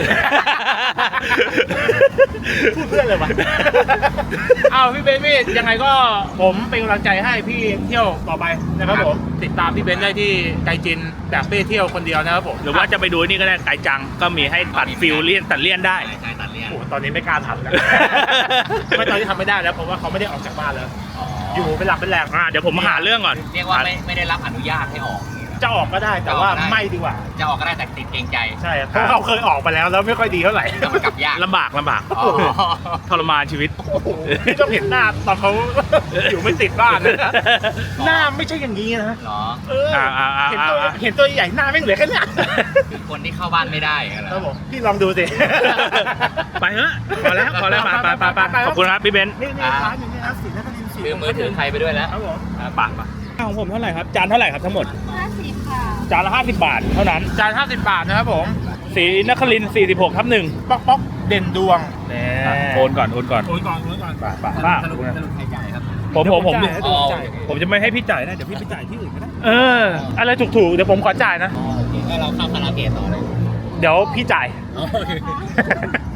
[SPEAKER 1] พูดเพื่อนเลยวะเอาพี่เบนซ์พี่ยังไงก็ผมเป็นกำลังใจให้พี่เที่ยวต่อไปนะครับผมติดตามพี่เบนซ์ได้ที่ไกจินแบบเป้เที่ยวคนเดียวนะครับผม
[SPEAKER 2] หรือว่าจะไปดูนี่ก็ได้ไกจังก็มีให้ตัดฟิลเลี่ยนตัดเลี่ยนได้
[SPEAKER 3] ใช่ตัดเลี่ยน
[SPEAKER 1] โอ้โหตอนนี้ไม่กล้าทำแล้ว ไม่ตอนนี้ทำไม่ได้แล้วเพราะว่าเขาไม่ได้ออกจากบ้านแล้ว อยู่เป็นหลักเป็นแหล่ง
[SPEAKER 2] เดี๋ยวผมมาหาเรื่องก่อน
[SPEAKER 3] เรียกว่าไม่ได้รับอนุญาตให้ออกอย่างเงี้ย
[SPEAKER 1] จะออกก็ได้แต่ว่าไม่ดีกว่า
[SPEAKER 3] จะออกก็ได้แต่ติดเกรงใจ
[SPEAKER 1] ใช่เพราะเขาเคยออกไปแล้วแล้วไม่ค่อยดีเท่าไหร่
[SPEAKER 3] แล้วมันกลับยาก
[SPEAKER 2] ลำบาก
[SPEAKER 3] อ๋อ
[SPEAKER 2] ทรมานชีวิต
[SPEAKER 1] โอ้โหพี่ต้องเห็นหน้าตอนเขา อยู่ไม่ติดบ้านนะหน้าไม่ใช่อย่างนี้นะ
[SPEAKER 3] เหรอ
[SPEAKER 1] เออเห็นตัวใหญ่หน้าไม่เหลือแค่เนี้ย
[SPEAKER 3] คือคนที่เข้าบ้านไม่ได้อะไร
[SPEAKER 1] ครับผมพี่ลองดูสิ
[SPEAKER 2] ไปเถอะพอแล้วไปขอบคุณครับพี่เบนซ์
[SPEAKER 1] นี่ร้านอยู่นี่นะศรีนครินทร์
[SPEAKER 3] ลืมมือถือใครไปด้วยแล้ว
[SPEAKER 1] ครับผม
[SPEAKER 2] ปากของผมเท่าไหร่ครับ จานเท่าไหร่ครับทั้งหมด
[SPEAKER 4] 50 ค่ะ
[SPEAKER 2] จานละ50 บาทเท่านั้น
[SPEAKER 1] จาน50 บาทนะครับผม
[SPEAKER 2] สีนครินทร์46/1
[SPEAKER 1] ป๊อกป๊อกเด่นดวง
[SPEAKER 2] โอนก่อน
[SPEAKER 1] โอนก่อน
[SPEAKER 3] สรุปใครใหญ่ครับ
[SPEAKER 2] ผ
[SPEAKER 1] ผม
[SPEAKER 2] จ่ายนะเดี๋ยวผมจ่ายผมจะไม่ให้พี่จ่ายนะเดี๋ยวพี่ไปจ่ายที่อื่นก็ได้
[SPEAKER 1] อะไรถูกๆเดี๋ยวผมขอจ่ายนะ
[SPEAKER 3] โอเคให้เราเข้าคาราโอเกะต่อเลย
[SPEAKER 1] เดี๋ยวพี่จ่าย
[SPEAKER 3] โอเค